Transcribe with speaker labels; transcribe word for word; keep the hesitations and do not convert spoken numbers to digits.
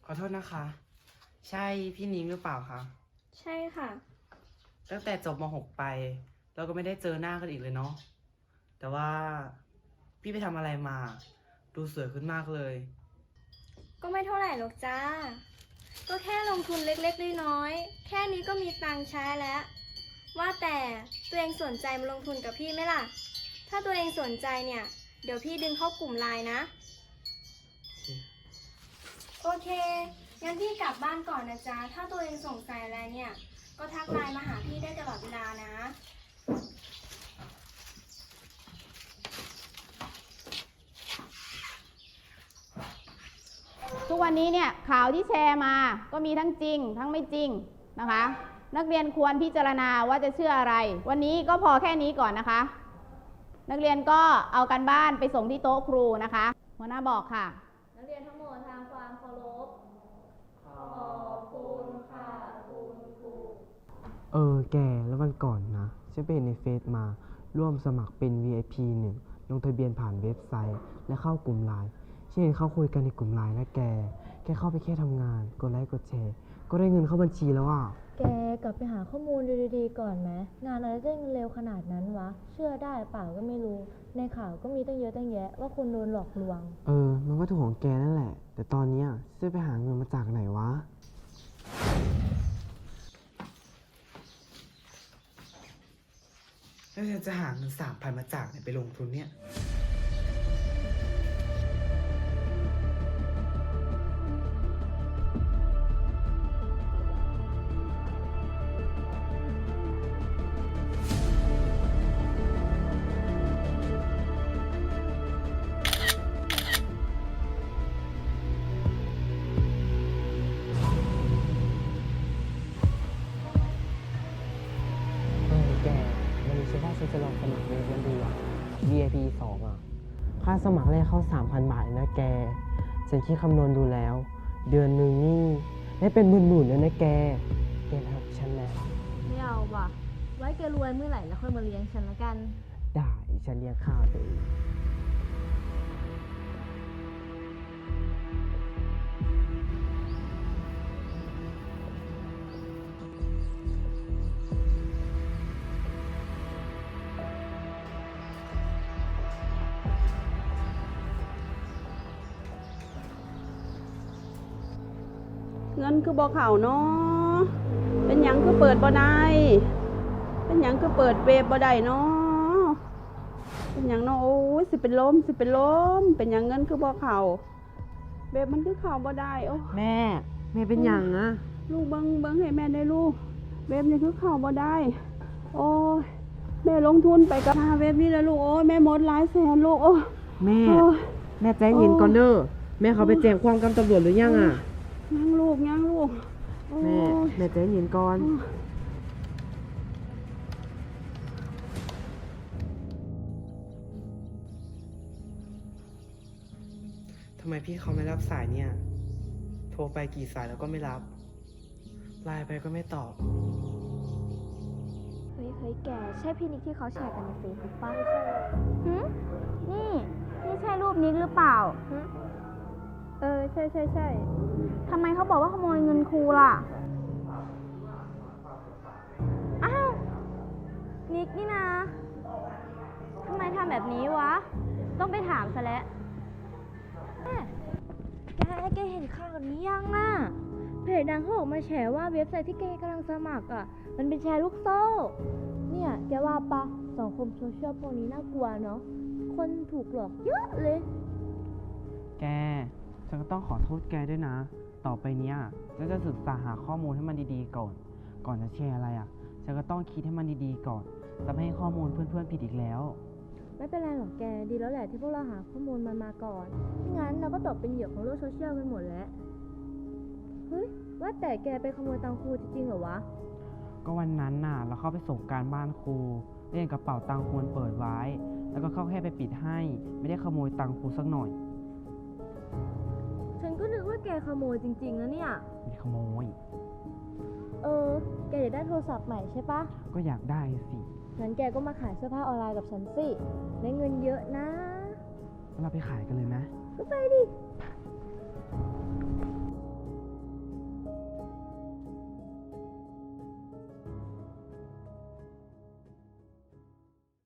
Speaker 1: อโทษนะคะ ใช่พี่นิ้งหรือเปล่าคะ
Speaker 2: ใช่ค่ะ
Speaker 1: ตั้งแต่จบม .หก ไปเราก็ไม่ได้เจอหน้ากันอีกเลยเนาะแต่ว่าพี่ไปทำอะไรมาดูสวยขึ้นมากเลย
Speaker 2: ก็ไม่เท่าไหร่หรอกจ้าก็แค่ลงทุนเล็กๆน้อยๆแค่นี้ก็มีตังค์ใช้แล้ว ว่าแต่ตัวเองสนใจมาลงทุนกับพี่ไหมล่ะ ถ้าตัวเองสนใจเนี่ยเดี๋ยวพี่ดึงเข้ากลุ่มไลน์นะ โอเคงั้นพี่กลับบ้านก่อนนะจ๊ะถ้าตัวเองสงสัยอะไรเนี่ยก็ทักไลน์มาหาพี่ได้ตลอดเวลานะ
Speaker 3: ทุกวันนี้เนี่ยข่าวที่แชร์มาก็มีทั้งจริงทั้งไม่จริงนะคะ นักเรียนควรพิจารณาว่าจะเชื่ออะไรวันนี้ก็พอแค่นี้ก่อนนะคะ นักเรียนก็เอากันบ้านไปส่งที่โต๊ะครูนะคะหัวหน้าบอกค่ะนักเรียนทั้งหมดทางความเคารพขอบคุณค่ะคุณครู
Speaker 4: เออแกแล้ววันก่อนนะฉันไปเห็นในเฟซมาร่วมสมัครเป็น วี ไอ พี หนึ่งลงทะเบียนผ่านเว็บไซต์และเข้ากลุ่มไลน์ฉันเห็นเขาคุยกันในกลุ่มไลน์นะแกแค่เข้าไปแค่ทำงานกดไลค์กดแชร์ก็ได้เงินเข้าบัญชีแล้วอ่ะ
Speaker 5: แกกลับไปหาข้อมูลดูดีๆก่อนไหมงานอะไรได้เงินเร็วขนาดนั้นวะเชื่อได้เปล่าก็ไม่รู้ในข่าวก็มีตั้งเยอะตั้งแยะว่าคนโดนหลอกลวง
Speaker 4: เออมันก็ถูกของแกนั่นแหละแต่ตอนนี้ฉันไปหาเงินมาจากไหนวะ
Speaker 1: แล้วเธอจะหาเงินสามพันมาจากไหนไปลงทุนเนี่ย
Speaker 4: เออแกวันนี้ฉันว่าฉันจะลองสมัครเรียนดูอ่ะ วี ไอ พี สองอ่ะค่าสมัครแรกเข้า สามพัน บาทเลยนะแกฉันคิดคำนวณดูแล้วเดือนหนึ่งนี่ได้เป็นหมื่นๆเลยนะแกแกทำฉันแล้ว
Speaker 5: ไม่เอาว่ะไว้แกรวยเมื่อไหร่แล้วค่อยมาเลี้ยงฉันละกัน
Speaker 4: ได้ฉันเลี้ยงข้าวตัวเอง
Speaker 6: เงินคือบ่เข้าเนาะเป็นหยังคือเปิดบ่ได้เป็นหยังคือเปิดเว็บบ่ได้เนาะเป็นหยังเนาะโอ้ยสิเป็นลมสิเป็นลมเป็นหยังเงินคือบ่เข้าเว็บมันคือเข้าบ่ได้โอ้
Speaker 4: แม่แม่เป็นหยังอะ
Speaker 6: ลูกเบิ่งเบิ่งให้แม่ได้ลูกเว็บนี่คือเข้าบ่ได้โอ้ยแม่ลงทุนไปกับหาเว็บนี้แล้วลูกโอ้ยแม่หมดหลายแสนลูกโอ้
Speaker 4: แม่
Speaker 6: โอ้ย
Speaker 4: แม่ใจเย็นก่อนเด้อแม่เขาไปแจ้งความกับตำรวจหรือยังอะ
Speaker 6: ยังลูกยังลูก
Speaker 4: แม่แม่ใจเย็นก่อน
Speaker 1: ทำไมพี่เขาไม่รับสายเนี่ย โทรไปกี่สายแล้วก็ไม่รับ ไลน์ไปก็ไม่ตอบ
Speaker 2: เฮ้ยเฮ้ยแกใช่พี่นิกที่เขาแชร์กันในเฟซบุ๊กป่ะหืมนี่ นี่ใช่รูปนิกหรือเปล่าหืมเออใช่ใช่ใช่ทำไมเขาบอกว่าขโมยเงินครูล่ะ อ้าว นิกนี่นะทำไมทำแบบนี้วะ ต้องไปถามซะแล้วแกแกเห็นข่าวนี้ยังอ่ะเพจดังเขาออกมาแฉว่าเว็บไซต์ที่แกกำลังสมัครอ่ะมันเป็นแชร์ลูกโซ่เนี่ยแกว่าปะสังคมโซเชียลพวกนี้น่ากลัวเนาะคนถูกหลอกเยอะเลย
Speaker 4: แกฉันก็ต้องขอโทษแกด้วยนะต่อไปเนี้ยฉันจะศึกษาหาข้อมูลให้มันดีๆก่อนก่อนจะแชร์อะไรอ่ะฉันก็ต้องคิดให้มันดีๆก่อนจะไม่ให้ข้อมูลเพื่อนๆผิดอีกแล้ว
Speaker 5: ไม่เป็นไรหรอกแกดีแล้วแหละที่พวกเราหาข้อมูลมันมาก่อนไม่งั้นเราก็ตกเป็นเหยื่อของโลกโซเชียลกันหมดแล้วเฮ้ยว่าแต่แกไปขโมยตังค์ครูจริงๆเหรอวะ
Speaker 4: ก็วันนั้นน่ะเราเข้าไปส่งการบ้านครูเล่นกระเป๋าตังค์ครูเปิดไว้แล้วก็เข้าแค่ไปปิดให้ไม่ได้ขโมยตังค์ครูสักหน่อย
Speaker 5: ฉันก็นึกว่าแกขโมยจริงๆนะเนี่ย
Speaker 4: ไม่ขโมย
Speaker 5: เออแกอยากได้โทรศัพท์ใหม่ใช่ปะ
Speaker 4: ก็อยากได้สิ
Speaker 5: งั้นแกก็มาขายเสื้อผ้าออนไลน์กับฉันสิได้เงินเยอะนะ
Speaker 4: เราไปขายกันเลยไหม
Speaker 5: ก็ไปดิ